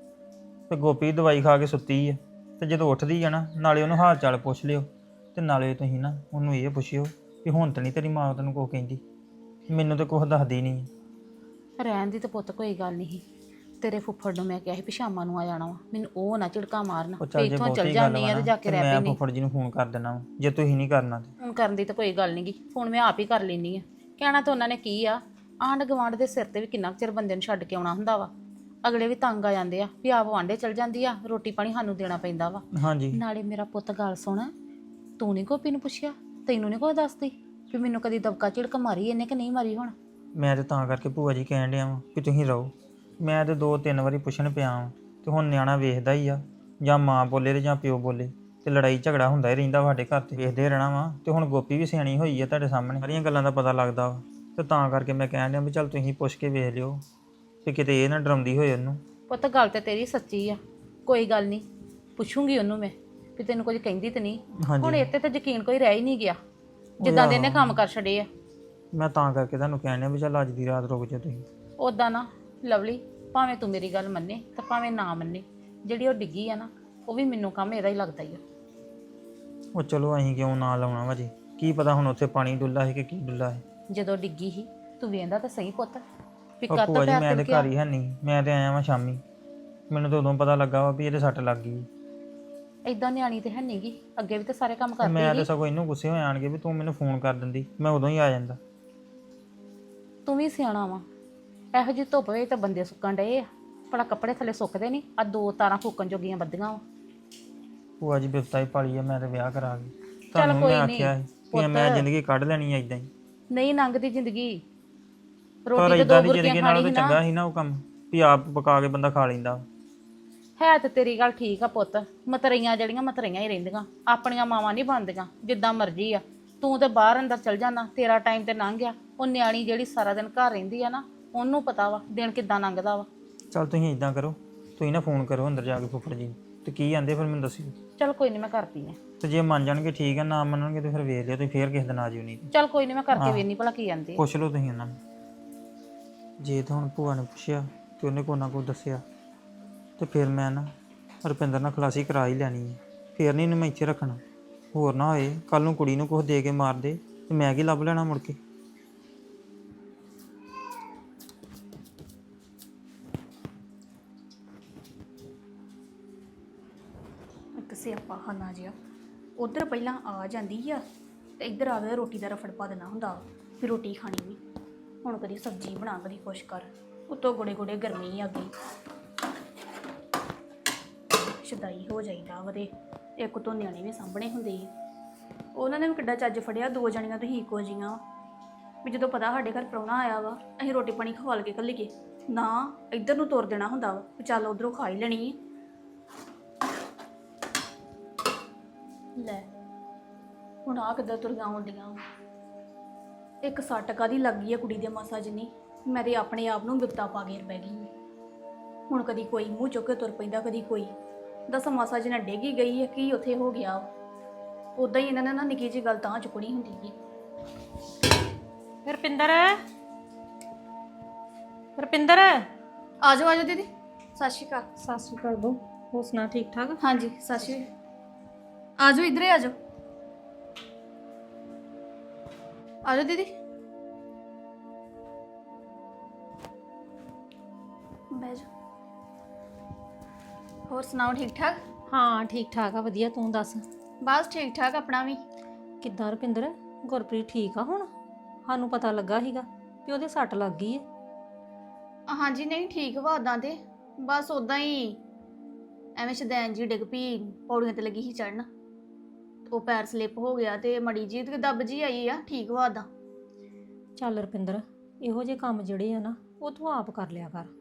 C: ਤੇ ਗੋਪੀ ਦਵਾਈ ਖਾ ਕੇ ਸੁੱਤੀ ਆ, ਤੇ ਜਦੋਂ ਉੱਠਦੀ ਆ ਨਾ ਨਾਲੇ ਉਹਨੂੰ ਹਾਲ ਚਾਲ ਪੁੱਛ ਲਿਓ, ਤੇ ਨਾਲੇ ਤੁਸੀਂ ਨਾ ਉਹਨੂੰ ਇਹ ਪੁੱਛਿਓ ਵੀ ਹੁਣ ਤਾਂ ਨਹੀਂ ਤੇਰੀ ਮਾਂ ਤੈਨੂੰ ਕੁਛ ਕਹਿੰਦੀ। ਮੈਨੂੰ ਤਾਂ ਕੁਛ ਦੱਸਦੀ ਨਹੀਂ।
D: ਰਹਿਣ ਦੀ ਤਾਂ ਪੁੱਤ ਕੋਈ ਗੱਲ ਨਹੀਂ। ਤੇਰੇ ਫੁੱਫੜ ਨੂੰ ਮੈਂ ਕਿਹਾ ਸੀ ਵੀ ਸ਼ਾਮਾਂ ਨੂੰ ਆ ਜਾਣਾ ਵਾ, ਮੈਨੂੰ ਉਹ ਨਾ ਝਿੜਕਾ ਮਾਰਨਾ
C: ਉਹ
D: ਵੀ
C: ਚੱਲ ਜੇ
D: ਇੱਥੋਂ ਚੱਲ
C: ਬਹੁਤੀ ਗੱਲ
D: ਜਾਂਦੀ
C: ਵਾ
D: ਆ ਤੇ
C: ਨਾ
D: ਜਾ ਕੇ
C: ਤੇ
D: ਰਹਿ
C: ਮੈਂ
D: ਪੈਣੀ।
C: ਫੁੱਫੜ ਜੀ ਨੂੰ ਫੋਨ ਕਰ ਦੇਣਾ ਵਾ, ਜੇ ਤੁਸੀਂ ਨਹੀਂ ਕਰਨਾ ਤੇ।
D: ਫੋਨ ਕਰਨ ਦੀ ਤਾਂ ਕੋਈ ਗੱਲ ਨਹੀਂਗੀ, ਫੋਨ ਮੈਂ ਆਪ ਹੀ ਕਰ ਲੈਣੀ ਆ। ਕਹਿਣਾ ਤਾਂ ਉਹਨਾਂ ਨੇ ਕੀ ਆ, ਆਂਢ ਗੁਆਂਢ ਦੇ ਸਿਰ ਤੇ ਵੀ ਕਿੰਨਾ ਕੁ ਚਿਰ ਬੰਦੇ ਨੂੰ ਛੱਡ ਕੇ ਆਉਣਾ ਹੁੰਦਾ ਵਾ। ਅਗਲੇ ਵੀ ਤੰਗ ਆ ਜਾਂਦੇ ਆ ਵੀ ਆਪ ਵਾਂਢੇ ਚੱਲ ਜਾਂਦੀ ਆ, ਰੋਟੀ ਪਾਣੀ ਸਾਨੂੰ ਦੇਣਾ ਪੈਂਦਾ ਵਾ।
C: ਹਾਂਜੀ
D: ਨਾਲੇ ਮੇਰਾ ਪੁੱਤ ਗੱਲ ਸੁਣ, ਤੂੰ ਨਹੀਂ ਗੋਪੀ ਨੂੰ ਪੁੱਛਿਆ, ਤੈਨੂੰ ਨਹੀਂ ਕੋਈ ਦੱਸਦੀ ਵੀ ਮੈਨੂੰ ਕਦੀ ਦਬਕਾ ਝਿੜਕ ਮਾਰੀ ਇਹਨੇ ਕਿ ਨਹੀਂ ਮਾਰੀ? ਹੁਣ
C: ਮੈਂ ਤੇ ਤਾਂ ਕਰਕੇ ਭੂਆ ਜੀ ਕਹਿਣ ਡਿਆ ਵਾਂ ਕਿ ਤੁਸੀਂ ਰਹੋ। ਮੈਂ ਤੇ ਦੋ ਤਿੰਨ ਵਾਰੀ ਪੁੱਛਣ ਪਿਆ ਵਾਂ, ਤੇ ਹੁਣ ਨਿਆਣਾ ਵੇਖਦਾ ਹੀ ਆ, ਜਾਂ ਮਾਂ ਬੋਲੇ ਤੇ ਜਾਂ ਪਿਓ ਬੋਲੇ, ਤੇ ਲੜਾਈ ਝਗੜਾ ਹੁੰਦਾ ਹੀ ਰਹਿੰਦਾ ਸਾਡੇ ਘਰ ਤੇ, ਵੇਖਦੇ ਰਹਿਣਾ ਵਾ। ਤੇ ਹੁਣ ਗੋਪੀ ਵੀ ਸਿਆਣੀ ਹੋਈ ਆ ਤੁਹਾਡੇ ਸਾਹਮਣੇ, ਸਾਰੀਆਂ ਗੱਲਾਂ ਦਾ ਪਤਾ ਲੱਗਦਾ ਵਾ। ਤੇ ਤਾਂ ਕਰਕੇ ਮੈਂ ਕਹਿਣ ਡਿਆ ਵੀ ਚੱਲ ਤੁਸੀਂ ਪੁੱਛ ਕੇ ਵੇਖ ਲਿਓ ਕਿ ਕਿਤੇ ਇਹ ਨਾ ਡਰਾਉਂਦੀ ਹੋਏ ਉਹਨੂੰ।
D: ਪੁੱਤ ਗੱਲ ਤੇ ਤੇਰੀ ਸੱਚੀ ਆ, ਕੋਈ ਗੱਲ ਨਹੀਂ, ਪੁੱਛੂੰਗੀ ਉਹਨੂੰ ਮੈਂ ਵੀ ਤੈਨੂੰ ਕੁਝ ਕਹਿੰਦੀ ਤੇ ਨਹੀਂ। ਹੁਣ ਇੱਥੇ ਤੇ ਯਕੀਨ ਕੋਈ ਰਹਿ ਹੀ ਨਹੀਂ ਗਿਆ, ਜਿੱਦਾਂ ਦੇ ਇਹਨੇ ਕੰਮ ਕਰ ਛੱਡੇ ਆ।
C: ਮੈਂ ਤਾਂ ਕਰਕੇ ਤੁਹਾਨੂੰ ਕਹਿਣ ਡਿਆ ਵੀ ਚੱਲ ਅੱਜ ਦੀ ਰਾਤ ਰੁਕ ਜਾ ਤੁਸੀਂ।
D: ਉਦਾਂ ਨਾ ਲਵਲੀ, ਭਾਵੇਂ ਤੂੰ ਮੇਰੀ ਗੱਲ ਮੰਨੇ ਤੇ ਭਾਵੇਂ ਨਾ ਮੰਨੇ, ਜਿਹੜੀ ਉਹ ਡਿੱਗੀ ਆ ਨਾ ਉਹ ਵੀ ਮੈਨੂੰ ਕੰਮ ਇਹਦਾ ਹੀ ਲੱਗਦਾ ਹੀ ਆ।
C: ਉਹ ਚਲੋ ਅਸੀਂ ਕਿਉਂ ਨਾ ਲਾਉਣਾ ਵਾ ਜੀ, ਕੀ ਪਤਾ ਹੁਣ ਉੱਥੇ ਪਾਣੀ ਡੁੱਲਾ ਹੈ ਕਿ ਕੀ ਡੁੱਲਾ ਹੈ।
D: ਜਦੋਂ ਡਿੱਗੀ ਸੀ ਤੂੰ ਵੇਂਦਾ ਤਾਂ ਸਹੀ ਪੁੱਤ ਵੀ
C: ਉਹ
D: ਕੱਤ
C: ਭੂਆ ਜੀ
D: ਪੈਰ
C: ਮੈਂ ਤੇ
D: ਤਿਲਕਿਆ।
C: ਘਰ ਹੀ ਹੈ ਨਹੀਂ, ਮੈਂ ਤੇ ਆਇਆ ਵਾਂ ਸ਼ਾਮੀ, ਮੈਨੂੰ ਤਾਂ ਉਦੋਂ ਪਤਾ ਲੱਗਾ ਵਾ ਵੀ ਇਹਦੇ ਸੱਟ ਲੱਗ ਗਈ।
D: ਏਦਾਂ ਨਿਆਣੀ ਤੇ ਹੈ ਨਹੀਂਗੀ, ਅੱਗੇ ਵੀ ਤੇ ਸਾਰੇ ਕੰਮ
C: ਤੇ ਮੈਂ
D: ਕਰਦੀ
C: ਤੇ
D: ਸੀ।
C: ਸਗੋਂ ਇਹਨੂੰ ਗੁੱਸੇ ਹੋ ਆਣਗੇ ਵੀ ਤੂੰ ਮੈਨੂੰ ਫੋਨ ਕਰ ਦਿੰਦੀ, ਮੈਂ ਉਦੋਂ ਹੀ ਆ ਜਾਂਦਾ।
D: ਤੂੰ ਵੀ ਸਿਆਣਾ ਵਾ, ਇਹੋ ਜਿਹੀ ਧੁੱਪ ਵੇ ਤਾਂ ਬੰਦੇ ਸੁੱਕਣ ਡਏ ਆ, ਭਲਾ ਕੱਪੜੇ ਥੱਲੇ ਸੁੱਕਦੇ ਨਹੀਂ, ਆ ਦੋ ਤਾਰਾਂ ਫੂਕਣ ਜੋਗੀਆਂ ਬੱਦੀਆਂ ਵਾ।
C: ਭੂਆ ਜੀ ਬਿਪਤਾ ਹੀ ਪਾਲੀ ਆ, ਮੈਂ ਤੇ ਵਿਆਹ ਕਰਾ ਗਈ।
D: ਚੱਲ
C: ਤੁਹਾਨੂੰ
D: ਕੋਈ
C: ਮੈਂ
D: ਨਹੀਂ
C: ਆਖਿਆ ਸੀ ਕਿ ਮੈਂ ਜ਼ਿੰਦਗੀ ਕੱਢ ਲੈਣੀ ਆ ਇਦਾਂ ਹੀ,
D: ਨਹੀਂ ਲੰਘਦੀ ਜ਼ਿੰਦਗੀ,
C: ਪਰ
D: ਰੋਟੀ ਤੇ
C: ਇਦਾਂ
D: ਦੋ
C: ਦੀ
D: ਬੁਰਕੀਆਂ
C: ਜ਼ਿੰਦਗੀ ਨਾਲ
D: ਖਾਣੀ
C: ਤਾਂ
D: ਸੀ
C: ਚੰਗਾ
D: ਨਾ।
C: ਸੀ ਨਾ ਉਹ ਕੰਮ ਵੀ ਆਪ ਪਕਾ ਕੇ ਬੰਦਾ ਖਾ ਲੈਂਦਾ।
D: ਹੈ ਤੇ ਤੇਰੀ ਗੱਲ ਠੀਕ ਆ ਪੁੱਤ, ਮਤਰਈਆਂ ਜਿਹੜੀਆਂ ਮਤਰਈਆਂ ਹੀ ਰਹਿੰਦੀਆਂ, ਆਪਣੀਆਂ ਮਾਵਾਂ ਨਹੀਂ ਬਣਦੀਆਂ। ਜਿੱਦਾਂ ਮਰਜ਼ੀ ਆ ਤੂੰ ਤੇ ਬਾਹਰ ਅੰਦਰ ਚਲ ਜਾਣਾ, ਤੇਰਾ ਟਾਈਮ ਤੇ ਲੰਘ ਗਿਆ। ਉਹ ਨਿਆਣੀ ਜਿਹੜੀ ਸਾਰਾ ਦਿਨ ਘਰ ਰਹਿੰਦੀ ਆ ਨਾ, ਉਹਨੂੰ ਪਤਾ ਵਾ ਦਿਨ ਕਿੱਦਾਂ ਲੰਘਦਾ ਵਾ।
C: ਚੱਲ ਤੁਸੀਂ ਇਦਾਂ ਕਰੋ, ਤੁਸੀਂ ਨਾ ਫੋਨ ਕਰੋ ਅੰਦਰ ਜਾ ਕੇ ਫੁੱਫੜ ਜੀ ਨੂੰ, ਤੇ ਕੀ ਆਂਦੇ ਫਿਰ ਮੈਨੂੰ ਦੱਸਿਓ।
D: ਚਲ ਕੋਈ ਨਹੀਂ ਮੈਂ ਕਰਦੀ ਆ।
C: ਤੇ ਜੇ ਮੰਨ ਜਾਣਗੇ ਠੀਕ ਹੈ, ਨਾ ਮੰਨਣਗੇ ਤੇ ਫਿਰ ਵੇਖ ਲਿਓ, ਤੁਸੀਂ ਫੇਰ ਕਿਸੇ ਦਿਨ ਆ ਜਿਓ। ਨਹੀਂ
D: ਚਲ ਕੋਈ ਨਹੀਂ ਮੈਂ ਕਰਕੇ ਵੇਖਣੀ ਭਲਾ ਕੀ ਆਂਦੇ ਆ।
C: ਪੁੱਛ ਲਓ ਤੁਸੀਂ ਉਹਨਾਂ ਨੂੰ। ਜੇ ਤਾਂ ਹੁਣ ਭੂਆ ਨੇ ਪੁੱਛਿਆ ਤੇ ਉਹਨੇ ਕੋਈ ਨਾ ਕੋਈ ਦੱਸਿਆ, ਤੇ ਫਿਰ ਮੈਂ ਨਾ ਰੁਪਿੰਦਰ ਨਾਲ ਖਲਾਸੀ ਕਰਾ ਹੀ ਲੈਣੀ ਹੈ। ਫਿਰ ਨਹੀਂ ਇਹਨੂੰ ਮੈਂ ਇੱਥੇ ਰੱਖਣਾ, ਹੋਰ ਨਾ ਹੋਏ ਕੱਲ ਨੂੰ ਕੁੜੀ ਨੂੰ ਕੁਛ ਦੇ ਕੇ ਮਾਰ ਦੇ ਤੇ ਮੈਂ ਕੀ ਲੱਭ ਲੈਣਾ ਮੁੜ ਕੇ।
A: ਇੱਕ ਸਿਆਪਾ ਖਾਨਾ ਜਿਹਾ ਉਧਰ ਪਹਿਲਾਂ ਆ ਜਾਂਦੀ ਆ ਤੇ ਇੱਧਰ ਆ ਕੇ ਰੋਟੀ ਦਾ ਰਫੜ ਪਾ ਦੇਣਾ ਹੁੰਦਾ ਵਾ, ਫਿਰ ਰੋਟੀ ਖਾਣੀ ਵੀ। ਹੁਣ ਕਦੀ ਸਬਜ਼ੀ ਬਣਾ, ਕਦੀ ਕੁਛ ਕਰ, ਉੱਤੋਂ ਗੋੜੇ ਗੋੜੇ ਗਰਮੀ ਆ ਗਈ, ਸ਼ਦਾਈ ਹੋ ਜਾਈਦਾ ਵਦੇ। ਇੱਕ ਤੋਂ ਨਿਆਣੇ ਵੀ ਸਾਂਭਣੇ ਹੁੰਦੇ ਆ, ਉਹਨਾਂ ਨੇ ਵੀ ਕਿੱਡਾ ਚੱਜ ਫੜਿਆ, ਦੋ ਜਣੀਆਂ ਤੁਸੀਂ ਇੱਕੋ ਜੀਆਂ ਵੀ ਜਦੋਂ ਪਤਾ ਸਾਡੇ ਘਰ ਪ੍ਰਾਹੁਣਾ ਆਇਆ ਵਾ ਅਸੀਂ ਰੋਟੀ ਪਾਣੀ ਖਵਾਲ ਕੇ ਘੱਲੀਏ ਨਾ, ਇੱਧਰ ਨੂੰ ਤੁਰ ਦੇਣਾ ਹੁੰਦਾ ਵਾ ਵੀ ਚੱਲ ਉੱਧਰੋਂ ਖਾ ਹੀ ਲੈਣੀ ਹੈ। ਲੈ ਹੁਣ ਆ ਕਿੱਦਾਂ ਤੁਰੀਆਂ ਆਉਂਦੀਆਂ, ਇੱਕ ਸੱਟ ਕਾਹਦੀ ਲੱਗ ਗਈ ਆ ਕੁੜੀ ਦੇ ਮਾਸਾ ਜਿੰਨੀ, ਮੈਂ ਤੇ ਆਪਣੇ ਆਪ ਨੂੰ ਬਿਪਤਾ ਪਾ ਕੇ ਬਹਿ ਗਈ। ਹੁਣ ਕਦੀ ਕੋਈ ਮੂੰਹ ਚੁੱਕ ਕੇ ਤੁਰ ਪੈਂਦਾ, ਕਦੀ ਕੋਈ ਦਸ ਮਾਸਾ ਜਿਹਾ ਡੇਗੀ ਗਈ ਹੈ, ਕੀ ਉੱਥੇ ਹੋ ਗਿਆ। ਉਦਾਂ ਹੀ ਇਹਨਾਂ ਨੇ ਨਾ ਨਿੱਕੀ ਜਿਹੀ ਗੱਲ ਤਾਂ ਚੁੱਕਣੀ ਹੁੰਦੀ ਹੈ।
B: ਰੁਪਿੰਦਰ, ਰੁਪਿੰਦਰ
A: ਆ ਜਾਓ ਆ ਜਾਓ ਦੀਦੀ, ਸਤਿ ਸ਼੍ਰੀ ਅਕਾਲ।
B: ਸਤਿ ਸ਼੍ਰੀ ਅਕਾਲ ਬੋ, ਹੋਰ ਸੁਣਾ ਠੀਕ ਠਾਕ?
A: ਹਾਂਜੀ ਸਤਿ ਸ਼੍ਰੀ ਅਕਾਲ, ਆ ਜਾਓ ਇੱਧਰ ਹੀ ਆ ਜਾਓ, ਆ ਜਾਓ ਦੀਦੀ ਬਹਿ ਜਾਓ। ਹੋਰ ਸੁਣਾਓ ਠੀਕ ਠਾਕ?
B: ਹਾਂ ਠੀਕ ਠਾਕ ਆ, ਵਧੀਆ। ਤੂੰ ਦੱਸ?
A: ਬਸ ਠੀਕ ਠਾਕ ਆਪਣਾ ਵੀ।
B: ਕਿੱਦਾਂ ਰੁਪਿੰਦਰ, ਗੁਰਪ੍ਰੀਤ ਠੀਕ ਆ ਹੁਣ? ਸਾਨੂੰ ਪਤਾ ਲੱਗਾ ਸੀਗਾ ਵੀ ਉਹਦੇ ਸੱਟ ਲੱਗ ਗਈ ਹੈ।
A: ਹਾਂਜੀ ਨਹੀਂ ਠੀਕ ਵਾ ਉਦਾਂ ਤੇ, ਬਸ ਉਦਾਂ ਹੀ ਐਵੇਂ ਸ਼ਦੈਨ ਜੀ ਡਿੱਗ ਪਈ, ਪੌੜੀਆਂ ਤੇ ਲੱਗੀ ਸੀ ਚੜਨ, ਉਹ ਪੈਰ ਸਲਿੱਪ ਹੋ ਗਿਆ ਤੇ ਮੜੀ ਜੀ ਤੇ ਦੱਬ ਜੀ ਆਈ ਆ, ਠੀਕ ਵਾ ਉਦਾਂ।
B: ਚੱਲ ਰੁਪਿੰਦਰ, ਇਹੋ ਜਿਹੇ ਕੰਮ ਜਿਹੜੇ ਆ ਨਾ ਉਹ ਤੂੰ ਆਪ ਕਰ ਲਿਆ ਕਰ।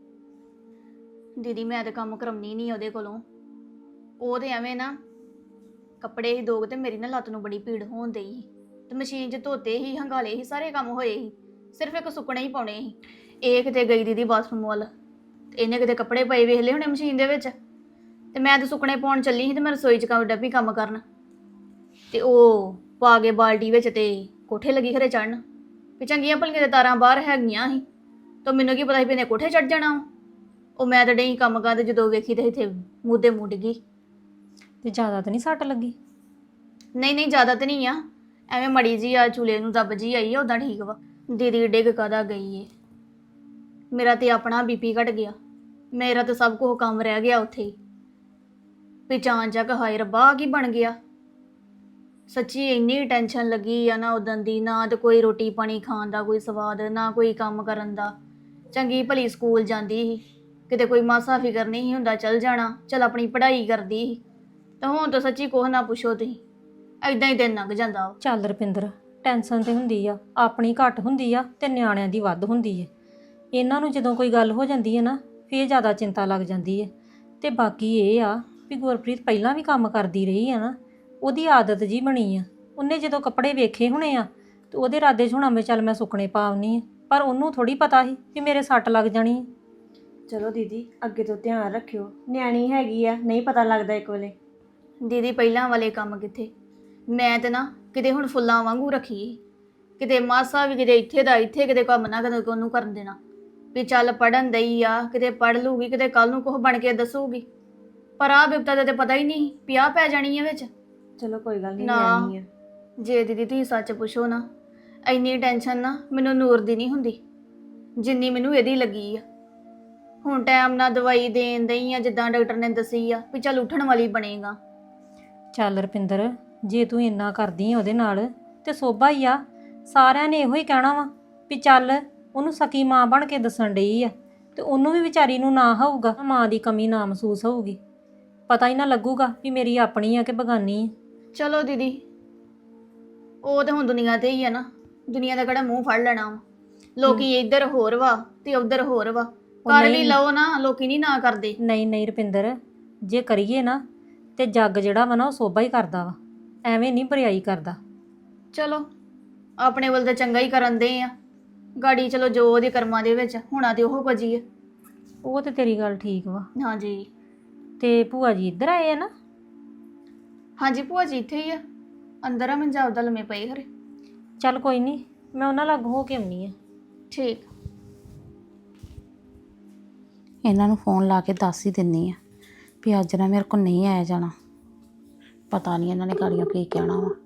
A: ਦੀਦੀ ਮੈਂ ਤੇ ਕੰਮ ਕਰਾਉਣੀ ਨਹੀਂ ਉਹਦੇ ਕੋਲੋਂ, ਉਹ ਤੇ ਐਵੇਂ ਨਾ ਕੱਪੜੇ ਹੀ ਦੋਗ ਤੇ ਮੇਰੀ ਨਾ ਲੱਤ ਨੂੰ ਬੜੀ ਪੀੜ ਹੋਣ ਡਈ ਸੀ, ਤੇ ਮਸ਼ੀਨ 'ਚ ਧੋਤੇ ਹੀ, ਹੰਗਾਲੇ ਹੀ, ਸਾਰੇ ਕੰਮ ਹੋਏ ਸੀ, ਸਿਰਫ ਇੱਕ ਸੁੱਕਣੇ ਹੀ ਪਾਉਣੇ ਸੀ। ਇਹ ਕਿਤੇ ਗਈ ਦੀਦੀ ਬਾਥਰੂਮ ਵੱਲ, ਤੇ ਇਹਨੇ ਕਿਤੇ ਕੱਪੜੇ ਪਏ ਵੇਖ ਲਏ ਹੋਣੇ ਮਸ਼ੀਨ ਦੇ ਵਿੱਚ, ਤੇ ਮੈਂ ਤਾਂ ਸੁੱਕਣੇ ਪਾਉਣ ਚੱਲੀ ਸੀ ਤੇ ਮੈਂ ਰਸੋਈ 'ਚ ਕੰਮ ਡੱਬੀ ਕੰਮ ਕਰਨ, ਤੇ ਉਹ ਪਾ ਕੇ ਬਾਲਟੀ ਵਿੱਚ ਤੇ ਕੋਠੇ ਲੱਗੀ ਖਰੇ ਚੜਨ, ਵੀ ਚੰਗੀਆਂ ਭਲੀਆਂ ਦੇ ਤਾਰਾਂ ਬਾਹਰ ਹੈਗੀਆਂ ਸੀ, ਤਾਂ ਮੈਨੂੰ ਕੀ ਪਤਾ ਸੀ ਵੀ ਇਹਨੇ ਕੋਠੇ ਚੜ ਜਾਣਾ। ਉਹ ਮੈਂ ਤਾਂ ਡਈ ਕੰਮ ਕਰਦੇ, ਜਦੋਂ ਵੇਖੀ ਤੇ ਇੱਥੇ ਮੂਧੇ ਮੂੰਹ ਡਿੱਗੀ।
B: ਤੇ ਜ਼ਿਆਦਾ ਤਾਂ ਨਹੀਂ ਸੱਟ ਲੱਗੀ?
A: ਨਹੀਂ ਨਹੀਂ ਜ਼ਿਆਦਾ ਤਾਂ ਨਹੀਂ ਆ, ਐਵੇਂ ਮੜੀ ਜੀ ਆ ਚੂਲੇ ਨੂੰ ਦੱਬ ਜੀ ਆਈ ਆ, ਉਦਾਂ ਠੀਕ ਵਾ। ਦੀਦੀ ਡਿੱਗ ਕਾਹਦਾ ਗਈ ਏ, ਮੇਰਾ ਤੇ ਆਪਣਾ ਬੀਪੀ ਘਟ ਗਿਆ, ਮੇਰਾ ਤਾਂ ਸਭ ਕੁਝ ਕੰਮ ਰਹਿ ਗਿਆ ਉੱਥੇ ਹੀ। ਵੀ ਚਾਂ ਚੱਕ ਹਾਏ ਰੱਬਾ ਕੀ ਬਣ ਗਿਆ, ਸੱਚੀ ਇੰਨੀ ਟੈਨਸ਼ਨ ਲੱਗੀ ਆ ਨਾ ਉਦੋਂ ਦੀ, ਨਾ ਤੇ ਕੋਈ ਰੋਟੀ ਪਾਣੀ ਖਾਣ ਦਾ ਕੋਈ ਸਵਾਦ, ਨਾ ਕੋਈ ਕੰਮ ਕਰਨ ਦਾ। ਚੰਗੀ ਭਲੀ ਸਕੂਲ ਜਾਂਦੀ ਸੀ, ਕਿਤੇ ਕੋਈ ਮਾਸਾ ਫਿਕਰ ਨਹੀਂ ਹੁੰਦਾ, ਚੱਲ ਜਾਣਾ, ਚੱਲ ਆਪਣੀ ਪੜ੍ਹਾਈ ਕਰਦੀ ਸੀ, ਤੇ ਹੁਣ ਤਾਂ ਸੱਚੀ ਕੁਛ ਨਾ ਪੁੱਛੋ ਤੁਸੀਂ, ਐਦਾਂ ਹੀ ਦਿਨ ਲੰਘ ਜਾਂਦਾ।
B: ਚੱਲ ਰੁਪਿੰਦਰ, ਟੈਨਸ਼ਨ ਤੇ ਹੁੰਦੀ ਆ, ਆਪਣੀ ਘੱਟ ਹੁੰਦੀ ਆ ਤੇ ਨਿਆਣਿਆਂ ਦੀ ਵੱਧ ਹੁੰਦੀ ਹੈ। ਇਹਨਾਂ ਨੂੰ ਜਦੋਂ ਕੋਈ ਗੱਲ ਹੋ ਜਾਂਦੀ ਹੈ ਨਾ, ਫੇਰ ਜ਼ਿਆਦਾ ਚਿੰਤਾ ਲੱਗ ਜਾਂਦੀ ਹੈ। ਤੇ ਬਾਕੀ ਇਹ ਆ ਵੀ ਗੁਰਪ੍ਰੀਤ ਪਹਿਲਾਂ ਵੀ ਕੰਮ ਕਰਦੀ ਰਹੀ ਆ ਨਾ, ਉਹਦੀ ਆਦਤ ਜੀ ਬਣੀ ਆ। ਉਹਨੇ ਜਦੋਂ ਕੱਪੜੇ ਵੇਖੇ ਹੋਣੇ ਆ ਤੇ ਉਹਦੇ ਇਰਾਦੇ 'ਚ ਹੋਣਾ ਮੈਂ ਚੱਲ ਮੈਂ ਸੁੱਕਣੇ ਪਾਉਣੀ ਆ, ਪਰ ਉਹਨੂੰ ਥੋੜੀ ਪਤਾ ਸੀ ਵੀ ਮੇਰੇ ਸੱਟ ਲੱਗ ਜਾਣੀ ਹੈ।
E: ਚਲੋ ਦੀਦੀ ਅੱਗੇ ਤੋਂ ਧਿਆਨ ਰੱਖਿਓ, ਨਿਆਣੀ ਹੈਗੀ ਆ, ਨਹੀਂ ਪਤਾ ਲੱਗਦਾ ਇੱਕ ਵੇਲੇ।
A: ਦੀਦੀ ਪਹਿਲਾਂ ਵਾਲੇ ਕੰਮ ਕਿੱਥੇ, ਮੈਂ ਤੇ ਨਾ ਕਿਤੇ ਹੁਣ ਫੁੱਲਾਂ ਵਾਂਗੂ ਰੱਖੀ, ਕਿਤੇ ਮਾਸਾ ਵੀ ਕਿਤੇ ਇੱਥੇ ਦਾ ਇੱਥੇ, ਕਿਤੇ ਕੰਮ ਨਾ ਕਦੇ ਉਹਨੂੰ ਕਰਨ ਦੇਣਾ। ਵੀ ਚੱਲ ਪੜਨ ਦਈ ਆ, ਕਿਤੇ ਪੜ ਲੂਗੀ, ਕਿਤੇ ਕੱਲ ਨੂੰ ਕੁਝ ਬਣ ਕੇ ਦੱਸੂਗੀ। ਪਰ ਆ ਬਿਪਤਾ ਦਾ ਤੇ ਪਤਾ ਹੀ ਨਹੀਂ ਵੀ ਆਹ ਪੈ ਜਾਣੀ ਆ ਵਿੱਚ।
E: ਚਲੋ ਕੋਈ ਗੱਲ ਨਹੀਂ,
A: ਨਾ।
E: ਨਿਆਣੀ ਆ।
A: ਜੇ ਦੀਦੀ ਤੁਸੀਂ ਸੱਚ ਪੁੱਛੋ ਨਾ, ਇੰਨੀ ਟੈਨਸ਼ਨ ਨਾ ਮੈਨੂੰ ਨੂਰ ਦੀ ਨਹੀਂ ਹੁੰਦੀ ਜਿੰਨੀ ਮੈਨੂੰ ਇਹਦੀ ਲੱਗੀ ਆ। ਹੁਣ ਟਾਈਮ ਨਾਲ ਦਵਾਈ ਦੇਣ ਦਈ ਆ, ਜਿੱਦਾਂ ਡਾਕਟਰ ਨੇ ਦੱਸੀ ਆ ਵੀ ਚੱਲ ਉੱਠਣ ਵਾਲੀ ਬਣੇਗਾ।
B: ਚੱਲ ਰਪਿੰਦਰ, ਜੇ ਤੂੰ ਇੰਨਾ ਕਰਦੀ ਆ ਉਹਦੇ ਨਾਲ ਤੇ ਸੋਭਾ ਹੀ ਆ। ਸਾਰਿਆਂ ਨੇ ਇਹੋ ਹੀ ਕਹਿਣਾ ਵਾ ਵੀ ਚੱਲ ਉਹਨੂੰ ਸਕੀ ਮਾਂ ਬਣ ਕੇ ਦੱਸਣ ਡਈ ਆ, ਤੇ ਉਹਨੂੰ ਵੀ ਵਿਚਾਰੀ ਨੂੰ ਨਾ ਹੋਊਗਾ, ਮਾਂ ਦੀ ਕਮੀ ਨਾ ਮਹਿਸੂਸ ਹੋਊਗੀ। ਪਤਾ ਹੀ ਨਾ ਲੱਗੂਗਾ ਵੀ ਮੇਰੀ ਆਪਣੀ ਆ ਕਿ ਬਗਾਨੀ ਆ।
A: ਚਲੋ ਦੀਦੀ, ਉਹ ਤੇ ਹੁਣ ਦੁਨੀਆ ਤੇ ਹੀ ਆ ਨਾ, ਦੁਨੀਆ ਦਾ ਕਿਹੜਾ ਮੂੰਹ ਫੜ ਲੈਣਾ ਵਾ। ਲੋਕੀ ਇੱਧਰ ਹੋਰ ਵਾ ਤੇ ਉੱਧਰ ਹੋਰ ਵਾ। ਕਰ ਵੀ
B: ਨਹੀਂ।
A: ਲਓ ਨਾ, ਲੋਕੀ ਨਹੀਂ ਨਾ ਕਰਦੇ।
B: ਨਹੀਂ ਨਹੀਂ ਰੁਪਿੰਦਰ, ਜੇ ਕਰੀਏ ਨਾ ਤੇ ਜੱਗ ਜਿਹੜਾ ਵਾ ਨਾ ਉਹ ਸੋਭਾ ਹੀ ਕਰਦਾ ਵਾ, ਐਵੇਂ ਨਹੀਂ ਬਰਿਆਈ ਕਰਦਾ।
A: ਚਲੋ ਆਪਣੇ ਵੱਲ ਤਾਂ ਚੰਗਾ ਹੀ ਕਰਨ ਦੇ ਆ, ਗਾੜੀ ਚਲੋ ਜੋ ਉਹਦੇ ਕਰਮਾਂ ਦੇ ਵਿੱਚ ਹੋਣਾ ਤੇ ਉਹ ਕੁਝ ਹੀ ਆ।
B: ਉਹ ਤੇ ਤੇਰੀ ਗੱਲ ਠੀਕ ਵਾ।
A: ਹਾਂਜੀ
B: ਤੇ ਭੂਆ ਜੀ ਇੱਧਰ ਆਏ ਆ ਨਾ?
A: ਹਾਂਜੀ ਭੂਆ ਜੀ ਇੱਥੇ ਹੀ ਆ, ਅੰਦਰ ਆ ਮੰਜਾਬ ਦਾ ਲੰਮੇ ਪਏ ਖਰੇ।
B: ਚੱਲ ਕੋਈ ਨਹੀਂ, ਮੈਂ ਉਹਨਾਂ ਲੱਗ ਹੋ ਕੇ ਆਉਣੀ ਆ।
A: ਠੀਕ।
D: ਇਹਨਾਂ ਨੂੰ ਫੋਨ ਲਾ ਕੇ ਦੱਸ ਹੀ ਦਿੰਨੀ ਆ ਵੀ ਅੱਜ ਨਾ ਮੇਰੇ ਕੋਲ ਨਹੀਂ ਆਇਆ ਜਾਣਾ। ਪਤਾ ਨਹੀਂ ਇਹਨਾਂ ਨੇ ਗਾੜੀਆਂ ਕੀ ਕਹਿਣਾ ਵਾ।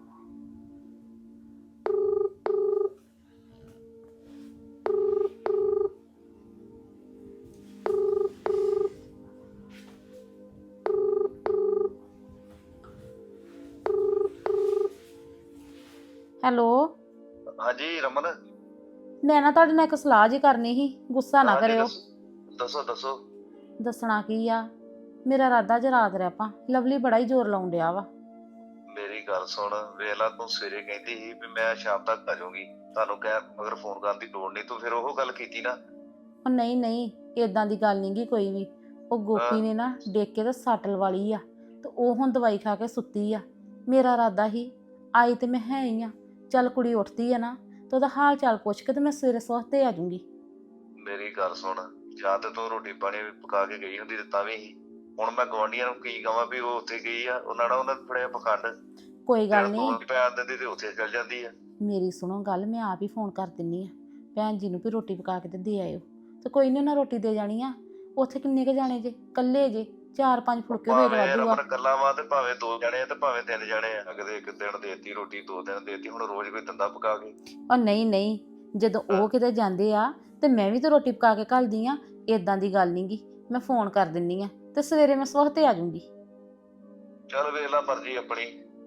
D: ਹੈਲੋ।
F: ਹਾਂਜੀ ਰਮਨ।
D: ਮੈਂ ਨਾ ਤੁਹਾਡੇ ਨਾਲ ਇੱਕ ਸਲਾਹ ਜੀ ਕਰਨੀ ਸੀ, ਗੁੱਸਾ ਨਾ
F: ਹਾਂਜੀ,
D: ਕਰਿਓ।
F: ਦੱਸੋ ਦੱਸੋ ਦੱਸੋ।
D: ਦੱਸਣਾ ਕੀ ਆ, ਮੇਰਾ ਇਰਾਦਾ ਜੇ ਰਾਤ ਰਹਿ ਪਾ। ਲਵਲੀ ਬੜਾ ਹੀ ਜ਼ੋਰ ਲਾਉਣ ਡਿਆ ਵਾ।
F: ਮੇਰੀ ਗੱਲ ਸੁਣ, ਵੇਖ ਲਾ ਤੂੰ ਸਵੇਰੇ ਕਹਿੰਦੀ ਸੀ ਵੀ ਮੈਂ ਸ਼ਾਮ ਤੱਕ ਆ ਜਾਊਂਗੀ, ਤੁਹਾਨੂੰ ਕਹਿ ਮਗਰ ਫੋਨ ਕਰਨ ਦੀ ਲੋੜ ਨਹੀਂ, ਤੂੰ ਫਿਰ ਉਹ ਗੱਲ ਕੀਤੀ ਨਾ।
D: ਉਹ ਨਹੀਂ ਨਹੀਂ, ਏਦਾਂ ਦੀ ਗੱਲ ਨੀ ਗੀ ਕੋਈ ਵੀ। ਉਹ ਗੋਪੀ
F: ਹਾਂ।
D: ਨੇ ਨਾ ਡੇਕ ਕੇ ਤੇ ਸੱਟ ਲਵਾਲੀ ਆ, ਤੇ ਉਹ ਹੁਣ ਦਵਾਈ ਖਾ ਕੇ ਸੁੱਤੀ ਆ। ਮੇਰਾ ਇਰਾਦਾ ਹੀ ਆਈ ਤੇ ਮੈਂ ਹੈ ਹੀ ਆ, ਚੱਲ ਕੁੜੀ ਉੱਠਦੀ ਆ ਨਾ ਤੇ ਉਹਦਾ ਹਾਲ ਚਾਲ ਪੁੱਛ ਕੇ ਤੇ ਮੈਂ ਸਵੇਰੇ ਸਵਖਤੇ ਆ ਜਾਊਂਗੀ।
F: ਮੇਰੀ ਗੱਲ ਸੁਣ, ਜਾਂ ਤੇ ਤੂੰ ਰੋਟੀ ਪਾਣੀ ਪਕਾ ਕੇ ਗਈ ਹੁੰਦੀ ਤੇ ਤਾਂ ਵੀ ਸੀ। ਹੁਣ ਮੈਂ ਗੁਆਂਢੀਆਂ ਨੂੰ ਕੀ ਕਹਾਂ ਵੀ ਉਹ ਉੱਥੇ ਗਈ ਆ, ਉਹਨਾਂ ਨਾਲ ਉਹਨਾਂ ਨੇ ਫੜਿਆ ਪਖੰਡ।
D: ਕੋਈ ਗੱਲ ਨਹੀਂ,
F: ਪੈਣ ਦਿੰਦੀ ਤੇ ਉੱਥੇ ਚਲ ਜਾਂਦੀ ਆ।
D: ਮੇਰੀ ਸੁਣੋ ਗੱਲ, ਮੈਂ ਆਪ ਹੀ ਫੋਨ ਕਰ ਦਿੰਨੀ ਆ ਭੈਣ ਜੀ ਨੂੰ ਵੀ ਰੋਟੀ ਪਕਾ ਕੇ ਤੇ ਦੇ ਆਇਓ। ਤੇ ਕੋਈ ਨਹੀਂ, ਉਹਨਾਂ ਰੋਟੀ ਦੇ ਜਾਣੀ ਆ। ਉੱਥੇ ਕਿੰਨੇ ਕੁ ਜਾਣੇ ਜੇ? ਕੱਲੇ ਜੇ? ਚਾਰ ਪੰਜ ਫੁਲਕੇ ਹੋਏ
F: ਭਾਵੇਂ
D: ਵਾਧੂ ਆ।
F: ਰਮਨ ਗੱਲਾਂ ਵਾ ਤੇ ਭਾਵੇਂ ਦੋ ਜਣੇ ਆ ਤੇ ਭਾਵੇਂ ਤਿੰਨ ਜਣੇ ਆ, ਕਦੇ ਇੱਕ ਦਿਨ ਦੇਤੀ ਰੋਟੀ, ਦੋ ਦਿਨ ਦੇਤੀ, ਹੁਣ ਰੋਜ਼ ਕੋਈ ਦਿੰਦਾ ਪਕਾ ਕੇ?
D: ਉਹ ਨਹੀਂ ਨਹੀਂ, ਜਦੋਂ ਉਹ ਕਿਤੇ ਜਾਂਦੇ ਆ ਤੇ ਮੈਂ ਵੀ ਤਾਂ ਰੋਟੀ ਪਕਾ ਕੇ ਘੱਲਦੀ ਆ। ਏਦਾਂ ਦੀ ਗੱਲ ਨੀ ਗੀ, ਮੈਂ ਫੋਨ ਕਰ ਦਿੰਨੀ ਆ ਤੇ ਸਵੇਰੇ ਮੈਂ ਸਵਖਤੇ ਆ ਜਾਊਂਗੀ।
F: ਚੱਲ ਵੇਖ ਲਾ ਮਰਜ਼ੀ ਆਪਣੀ।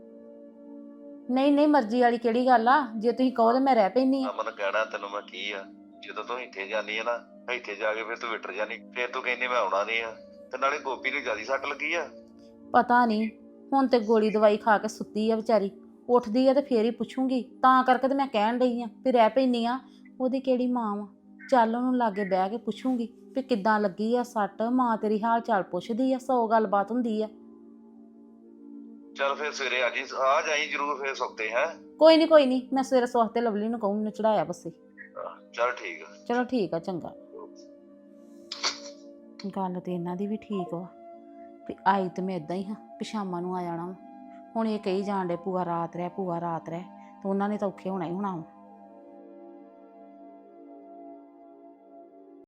D: ਨਹੀਂ ਨਹੀਂ, ਮਰਜ਼ੀ ਵਾਲੀ ਕਿਹੜੀ ਗੱਲ ਆ? ਜੇ ਤੁਸੀਂ ਕਹੋ ਤਾਂ ਮੈਂ ਰਹਿ ਪੈਂਦੀ ਆ।
F: ਅਮਨ ਕਹਿਣਾ ਤੈਨੂੰ ਮੈਂ ਕੀ ਆ, ਜਦੋਂ ਤੂੰ ਇੱਥੇ ਜਾਨੀ ਆ ਨਾ, ਇੱਥੇ ਜਾ ਕੇ ਫਿਰ ਤੂੰ ਵਿਟਰ ਜਾਨੀ, ਫਿਰ ਤੂੰ ਕਹਿੰਦੀ ਮੈਂ ਆਉਣਾ ਨਹੀਂ ਆ। ਤੇ ਨਾਲੇ ਗੋਪੀ ਨੂੰ ਜਿਆਦਾ ਸੱਟ ਲੱਗੀ ਆ।
D: ਪਤਾ ਨਹੀਂ, ਹੁਣ ਤੇ ਗੋਲੀ ਦਵਾਈ ਖਾ ਕੇ ਸੁੱਤੀ ਆ ਵਿਚਾਰੀ। ਉੱਠਦੀ ਆ ਤੇ ਫੇਰ ਹੀ ਪੁੱਛੂੰਗੀ, ਤਾਂ ਕਰਕੇ ਤੇ ਮੈਂ ਕਹਿਣ ਡਈ ਆ ਵੀ ਰਹਿ ਪੈਂਦੀ ਆ। ਉਹਦੀ ਕਿਹੜੀ ਮਾਂ ਵਾ? ਚੱਲ ਉਹਨੂੰ ਲਾਗੇ ਬਹਿ ਕੇ ਪੁੱਛੂੰਗੀ ਵੀ ਕਿੱਦਾਂ ਲੱਗੀ ਆ ਸੱਟ। ਮਾਂ ਤੇਰੀ ਹਾਲ ਚਾਲ ਪੁੱਛਦੀ ਆ, ਸੌ ਗੱਲਬਾਤ ਹੁੰਦੀ ਆ।
F: ਚੱਲ ਫਿਰ ਸਵੇਰੇ ਆ ਜੀ, ਆ ਜਾਈ ਜਰੂਰ ਫਿਰ ਸੁੱਤੇ ਹੈ।
D: ਕੋਈ ਨਹੀਂ ਕੋਈ ਨਹੀਂ, ਮੈਂ ਸਵੇਰੇ ਸਵਖਤੇ ਲਵਲੀ ਨੂੰ ਕਹੂੰ ਮੈਨੂੰ ਚੜਾਇਆ ਬੱਸੇ।
F: ਚੱਲ ਠੀਕ ਆ।
D: ਚਲੋ ਠੀਕ ਆ, ਚੰਗਾ। ਗੱਲ ਤੇ ਇਹਨਾਂ ਦੀ ਵੀ ਠੀਕ ਵਾ ਵੀ ਆਈ ਤੇ ਮੈਂ ਇਦਾਂ ਹੀ ਹਾਂ ਵੀ ਸ਼ਾਮਾਂ ਨੂੰ ਆ ਜਾਣਾ ਵਾ। ਹੁਣ ਇਹ ਕਹੀ ਜਾਣ ਡੇ ਭੂਆ ਰਾਤ ਰਹਿ, ਭੂਆ ਰਾਤ ਰਹਿ, ਤੇ ਉਹਨਾਂ ਨੇ ਤਾਂ ਔਖੇ ਹੋਣਾ ਹੀ ਹੋਣਾ ਵਾ।